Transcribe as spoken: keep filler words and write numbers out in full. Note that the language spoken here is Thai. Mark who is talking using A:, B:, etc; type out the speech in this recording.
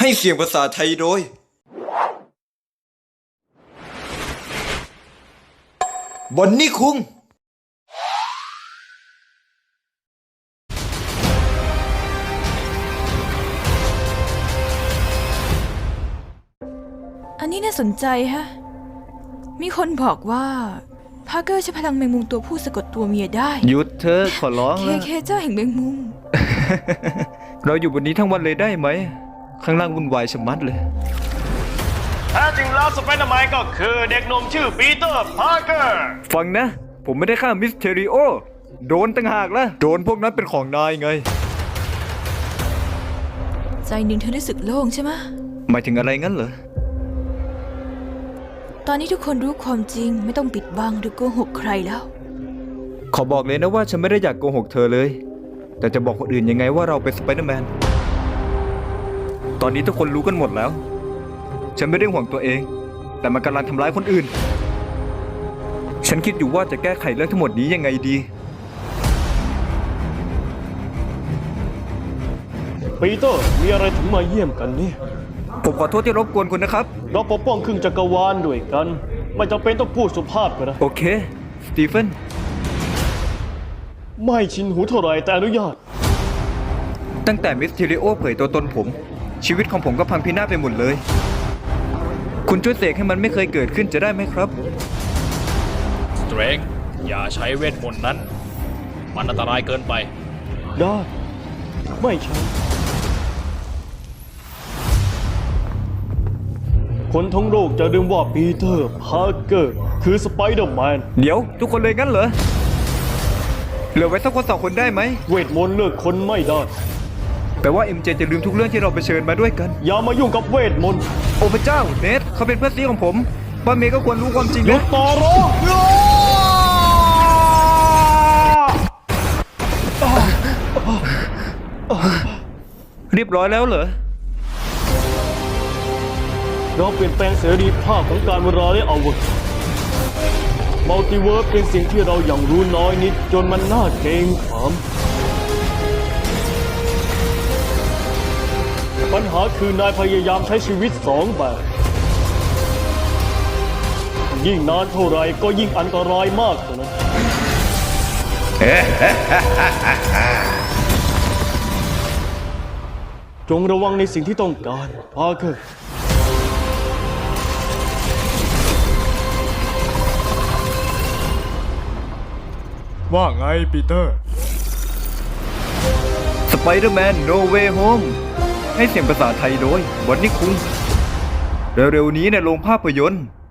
A: ให้เสียงภาษาไทยโดยบอนนี่คุง
B: อันนี้น่าสนใจฮะมีคนบอกว่าพาร์เกอร์ใช้พลังแมงมุมตัวผู้สะกดตัวเมียได้
C: หยุดเธอขอร้อง
B: เค
C: แล้ว
B: เคเจ้าแห่งแมงมุม
C: เราอยู่บนนี้ทั้งวันเลยได้ไหมข้างล่างวุ่นวายชะมัดเลย
D: แท้จริงแล้วสไปเดอร์แมนก็คือเด็กหนุ่มชื่อปีเตอร์พาร์เกอร์
C: ฟังนะ ผมไม่ได้ฆ่ามิสเทริโอโดนตั้งหากละโดนพวกนั้นเป็นของนายไง
B: ใจหนึ่งเธอรู้สึกโล่งใช่ไหม
C: หมายถึงอะไรงั้นเหรอ
B: ตอนนี้ทุกคนรู้ความจริงไม่ต้องปิดบังหรือโกหกใครแล้ว
C: ขอบอกเลยนะว่าฉันไม่ได้อยากโกหกเธอเลยแต่จะบอกคนอื่นยังไงว่าเราเป็นสไปเดอร์แมนตอนนี้ทุกคนรู้กันหมดแล้วฉันไม่ได้ห่วงตัวเองแต่มันกำลังทำร้ายคนอื่นฉันคิดอยู่ว่าจะแก้ไขเรื่องทั้งหมดนี้ยังไงดี
D: ปีเตอร์มีอะไรถึงมาเยี่ยมกันเนี่ย
C: ผมขอโทษที่รบกวนคุณนะครับ
D: เราปกป้องครึ่งจักรวาลด้วยกันไม่จำเป็นต้องพูดสุภาพก็ได้
C: โอเคสตีเฟน
D: ไม่ชินหูเท่าไรแต่อนุญาต
C: ตั้งแต่มิสเทริโอเผยตัวตนผมชีวิตของผมก็พังพินาศไปหมดเลยคุณช่วยเสกให้มันไม่เคยเกิดขึ้นจะได้ไหมครับ
E: สเตรงอย่าใช้เวทมนต์นั้นมันอันตรายเกินไป
D: ได้ไม่ใช่คนทั้งโลกจะลืมว่าปีเตอร์พาร์เกอร์คือสไปเดอร์แมน
C: เดี๋ยวทุกคนเลยงั้นเหรอเหลือไว้สักคนสองคนได้ไหม
D: เวทมนต์เลือกคนไม่ได้
C: แปลว่า เอ็ม เจ จะลืมทุกเรื่องที่เราเผชิญมาด้วยกัน
D: อย่ามายุ่งกับเวทมนต์
C: โอ้พระเจ้าเนทเขาเป็นเพื่อนซีของผมป้าเมย์ก็ควรรู้ความจริง
D: นะต่อรอ
C: เรียบร้อยแล้วเหรอ
D: เราเปลี่ยนแปลงเสรีภาพของการเวลาได้เอาเวอร์มัลติเวิร์สเป็นสิ่งที่เราอย่างรู้น้อยนิดจนมันน่าเกรงขามปัญหาคือนายพยายามใช้ชีวิตสองแบบยิ่งนานเท่าไรก็ยิ่งอันตรายมากเท่านั้นจงระวังในสิ่งที่ต้องการพาร์เกอร์
F: ว่าไงปีเตอร์
C: สไปเดอร์แมนโนเวย์โฮมให้เสียงภาษาไทยโดยบอนนี่คุงเร็วๆนี้ในโรงภาพยนตร์